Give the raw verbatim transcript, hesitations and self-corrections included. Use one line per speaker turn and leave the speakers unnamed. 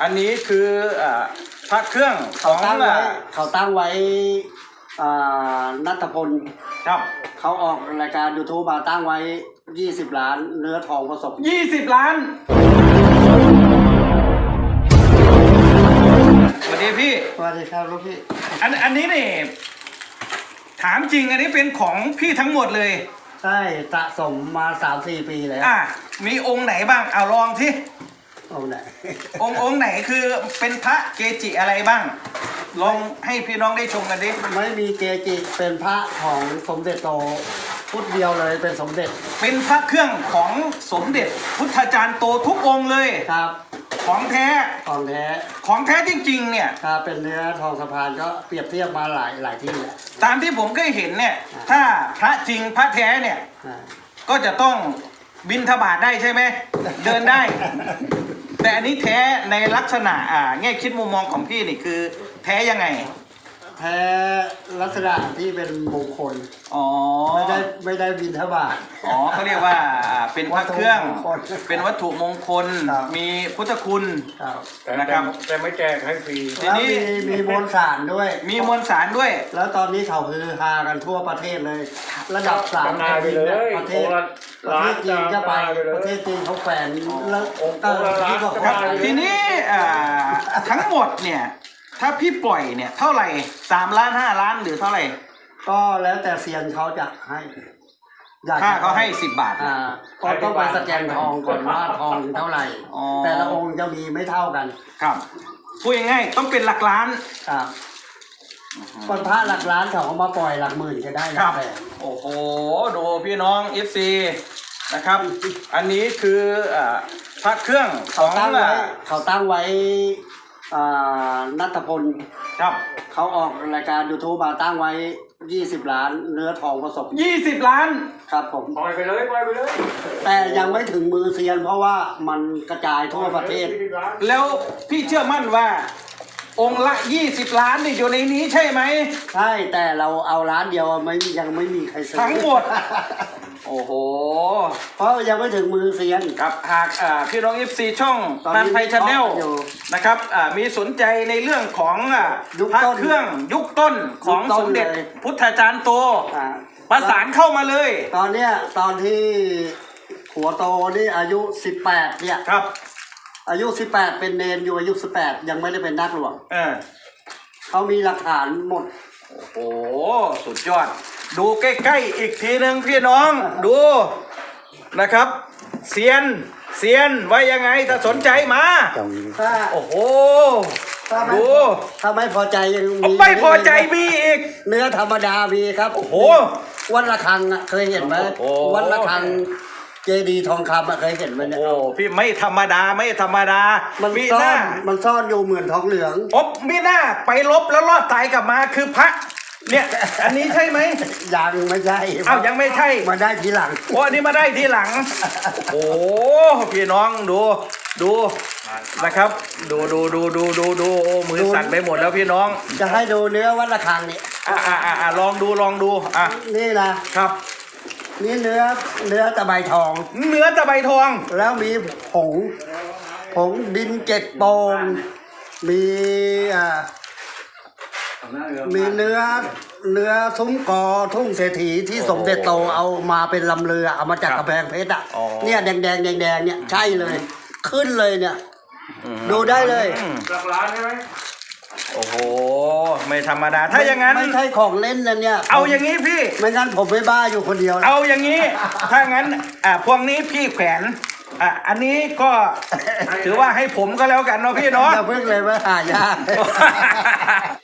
อันนี้คืออ่าพระเครื่องข
เขา
อง
ตั้งไว้เขาตั้งไว้อ่านัทพล
ครับ
เขาออกรายการยูทูบมาตั้งไว้ยี่สิบล้านเนื้อทองผสม
ยี่สิบล้านสวัสดีพี่
สวัสดีครับลูกพี่
อันอันนี้นี่ถามจริงอันนี้เป็นของพี่ทั้งหมดเลย
ใช่สะสมมาสามสี่ปีแล้ว
อ่ะมีองค์ไหนบ้างเอาลองที่
เอาไหน
องค์องค์ไหนคือเป็นพระเกจิอะไรบ้าง ลองให้พี่น้องได้ชมกันดิ
ไม่มีเกจิเป็นพระของสมเด็จโตพุทธเดียวเลยเป็นสมเด็จ
เป็นพระเครื่องของสมเด็จพุทธาจารย์โตทุกองค์เลย
ครับ
ของแท้
ของแท้
ของแท้จริงๆเนี่ย
ถ้าเป็นเนื้อทองสะพานก็เปรียบเทียบมาหลายหลายที่แล้ว
ตามที่ผมเคยเห็นเนี่ยถ้าพระจริงพระแท้เนี่ย
อ่า
ก็จะต้องบินทบาทได้ใช่ไหมเดินได้ แต่อันนี้แท้ในลักษณะอ่าแง่คิดมุมมองของพี่นี่คือแท้ยังไง
แท้ลักษณะที่เป็นมงคล
อ๋อ
ไม่ได้ไม่ได้บินทบาท
อ๋อเขาเรียกว่าอ่าเป็นพระเครื่อง
วัตถุมงคล
เป็นวัตถุมงคล
ครับ
มีพุทธคุณ
ครับ
นะครับ
แต่ไม่แจกให้ฟรี
ที
แล้ว
นี้
มีมีมวลสารด้วย
มีมวลสารด้วย
แล้วตอนนี้เขาฮือฮากันทั่วประเทศเลย ระดับสาม
จำหน่ายไปเลย
ประเทศ
องค์ละ
ประเทศจีนก็ไป
ล้านจำหน่ายไปเลย
ประเทศจีนเขาแฝงแล้ว
องค์
เออ
ละล้าน
ที่บอก
จำห
ค
น่า
รับ
ย
ทีนี้อ่าทั้งหมดเนี่ยถ้าพี่ปล่อยเนี่ยเท่าไหร่สามล้านห้าล้านหรือเท่าไหร่
ก็แล้วแต่เซียนเขาจะให้อยากจะ
ค่าเขาให้สิบบาท
อ่าก็ต้องไปสแกนทองก่อนว่าทองเท่าไหร่
อ๋อ
แต่ละองค์จะมีไม่เท่ากัน
ครับพูดง่ายๆต้องเป็นหลักล้าน
ครับคนพระหลักล้านเขาเอามาปล่อยหลักหมื่นก็ได้ห
ค
ลั
รั
ก
บ
แสน
โอ้โหดูพี่น้อง เอฟ ซี นะครับ อันนี้คืออ่าพระเครื่องข
เขา
อง
ตั้งไว้
อ่า
เขาตั้งไว้อ่านัทพล
ครับ
เขาออกรายการยูทูบมาตั้งไว้ยี่สิบล้านเนื้อทองผสม
ยี่สิบล้าน
ครับผม
ปล่อยไปเลยปล่อยไปเลย
แต่ยังไม่ถึงมือเซียนเพราะว่ามันกระจายทั่วประเทศ
แล้วพี่เชื่อมั่นว่า องค์ละยี่สิบล้านนี่อยู่ในนี้ใช่ไหม
ใช่แต่เราเอาร้านเดียวไม่ยังไม่มีใครซื้อ
ทั้งหมด โอ้โห
เพราะยังไม่ถึงมือเซียน
ครับหากอ่าพี่น้อง เอฟ ซี ช่อง
ตอนนี้
นันไพชาแนล
อยู่
นะครับอ่ามีสนใจในเรื่องของอ่า
ยุค
พระ
ต้น
เครื่องยุคต้นของ
ยุคต้น
สมเด็จ
เลย
พุทธาจารย์โต
อ่า
ประสานเข้ามาเลย
ตอนเนี้ยตอนที่หัวโตนี่อายุสิบแปดเนี่ย
ครับ
อายุสิบแปดเป็นเนนอยู่อายุสิบแปดยังไม่ได้เป็นนักหลวง
เออ
เขามีหลักฐานหมด
โอ้โหสุดยอด ดูใกล้ๆอีกทีหนึ่งพี่น้องดูนะครับเซียนเซียนไว้ยังไงถ้าสนใจมา
ถ้า
โอ้โห
ถ้าไม่
ดู
ถ้าไม่พอใจยัง
เอา
มี
ไม่พอใจมีอีก
เนื้อธรรมดามีครับ
โอ้โห
วันละครังอะเคยเห็นไหม
โอ้โห
วันละครังเจดีย์ทองคำอะเคยเห็นไหมเนี่ย
โอ้พี่ไม่ธรรมดาไม่ธรรมดา
มัน
มี
ซ่
ห
อ
น้าน
มันซ่อนอยู่เหมือนทองเหลือง
อบมีหน้าไปลบแล้วรอดตายกลับมาคือพระเนี่ยอันนี้ใช่ไหม
ยังไม่ใช่
อ้าวยังไม่ใช่
มาได้ทีหลัง
โอ้อันนี้มาได้ทีหลัง โอ้พี่น้องดูดูนะครับ ดูดูดูดูดูดูโอ้มือสั่นไปหมดแล้วพี่น้อง
จะให้ดูเนื้อวันละครังเนี่ย
อ่าอ่าอ่าอ่าลองดูลองดูอ่ะ
นี่นะครับ นี่เนื้อเนื้อตะไบทอง
เนื้อตะไบทอง
แล้วมีผงผงดินเจ็ดโปงมีอ่ามีเนื้อเนื้อซุ้มกอทุ่งเศรษฐีที่สมเด็จโตเอามาเป็นลำเรือเอามาจากกระแพงเพชรอ่ะเนี่ยแดงแดงแดงแดงเนี่ยใช่เลย ขึ้นเลยเนี่ย ดูได้เลย
อืม
หลักล้านใช่ไหม
โอ้โหไม่ธรรมดาถ้าอย่างนั้น
ไม่ใช่ของเล่นนะเนี่ย
เอาอย่างนี้พี่
ไม่งั้นผมไม่บ้าอยู่คนเดียวแล้ว
เอาอย่างนี้ ถ้างั้นอ่าพวงนี้พี่แขวนอ่ะอันนี้ก็ ถือว่าให้ผมก็แล้วกันเนาะพี่เนาะ
อย่าเพิ่งเลยว่าหายาก